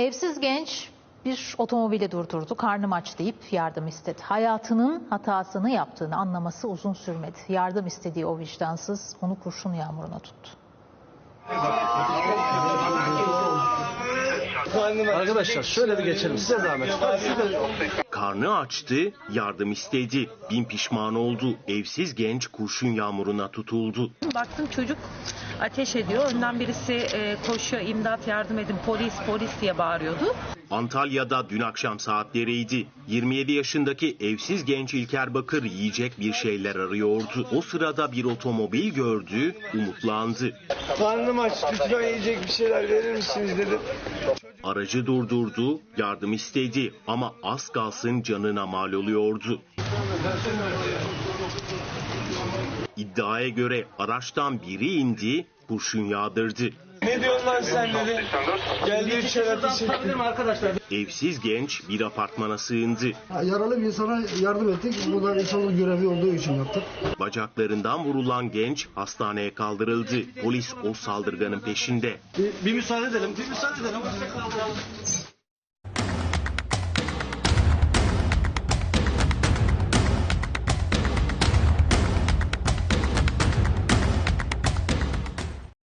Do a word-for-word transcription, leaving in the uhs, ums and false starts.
Evsiz genç bir otomobili durdurdu. Karnım aç deyip yardım istedi. Hayatının hatasını yaptığını anlaması uzun sürmedi. Yardım istediği o vicdansız onu kurşun yağmuruna tuttu. Arkadaşlar şöyle bir geçelim, size zahmet. Karnı açtı, yardım istedi. Bin pişman oldu. Evsiz genç kurşun yağmuruna tutuldu. Baktım çocuk ateş ediyor. Önden birisi e, koşuyor, imdat yardım edin, polis polis diye bağırıyordu. Antalya'da dün akşam saatleriydi. yirmi yedi yaşındaki evsiz genç İlker Bakır yiyecek bir şeyler arıyordu. O sırada bir otomobil gördü, umutlandı. Karnım aç, lütfen yiyecek bir şeyler verir misiniz dedim. Aracı durdurdu, yardım istedi ama az kalsın canına mal oluyordu. İddiaya göre araçtan biri indi, kurşun yağdırdı. Ne diyorsun lan sen dedi. Geldi bir şeyler arkadaşlar. Evsiz genç bir apartmana sığındı. Yaralı bir insana yardım ettik. Bu da insanlık görevi olduğu için yaptık. Bacaklarından vurulan genç hastaneye kaldırıldı. Polis o saldırganın peşinde. Bir, bir müsaade edelim. Bir müsaade edelim.